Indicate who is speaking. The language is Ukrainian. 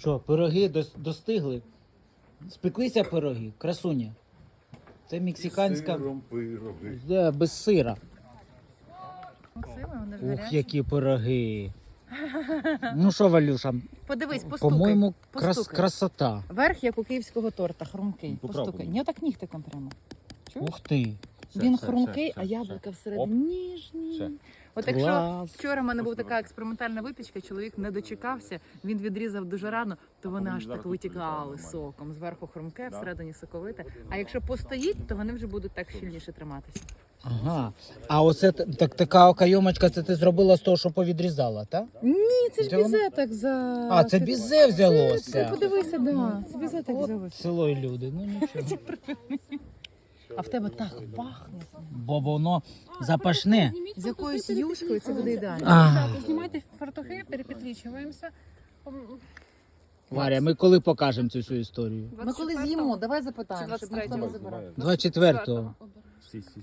Speaker 1: Що, пироги достигли? Спеклися пироги, красуня. Це мексиканська.
Speaker 2: Пироги.
Speaker 1: Да, без сира.
Speaker 3: Максиме, вони ж
Speaker 1: Ух,
Speaker 3: гарячі.
Speaker 1: які пироги. Ну що, Валюша,
Speaker 3: Подивись, постукай.
Speaker 1: по-моєму,
Speaker 3: постукай.
Speaker 1: красота.
Speaker 3: Верх, як у київського торта, хрумкий.
Speaker 2: Попробуй.
Speaker 3: Постукай. Ні, так нігтиком прямо. Чуєш?
Speaker 1: Ух ти.
Speaker 3: Він
Speaker 2: Все,
Speaker 3: хрумкий,
Speaker 2: все,
Speaker 3: а
Speaker 2: все,
Speaker 3: яблука
Speaker 2: все.
Speaker 3: всередині ніжні.
Speaker 2: Все.
Speaker 3: От якщо
Speaker 1: Клас.
Speaker 3: вчора в мене була така експериментальна випічка, чоловік не дочекався, він відрізав дуже рано, то вони аж так витікали соком. Зверху хрумке, всередині соковите. А якщо постоїть, то вони вже будуть так щільніше триматися.
Speaker 1: Ага. А оце така окайомочка, це ти зробила з того, що повідрізала, так?
Speaker 3: Ні, це ж
Speaker 1: Де воно?
Speaker 3: бізе так за...
Speaker 1: А, це бізе
Speaker 3: Ти
Speaker 1: взялося.
Speaker 3: подивися, да. Це бізе так взялося.
Speaker 1: Село і люди, ну нічого.
Speaker 3: А в тебе так пахне.
Speaker 1: Бо воно запашне.
Speaker 3: З якоюсь юшкою це буде ідеально.
Speaker 1: А,
Speaker 4: Знімайте фартухи, перепетлічуємося.
Speaker 1: Варя, ми коли покажемо цю всю історію?
Speaker 3: Ми коли з'їмо, давай запитаємо, щоб ніхто не
Speaker 4: 23-го.
Speaker 3: забирав.
Speaker 1: 24-го.
Speaker 2: Всі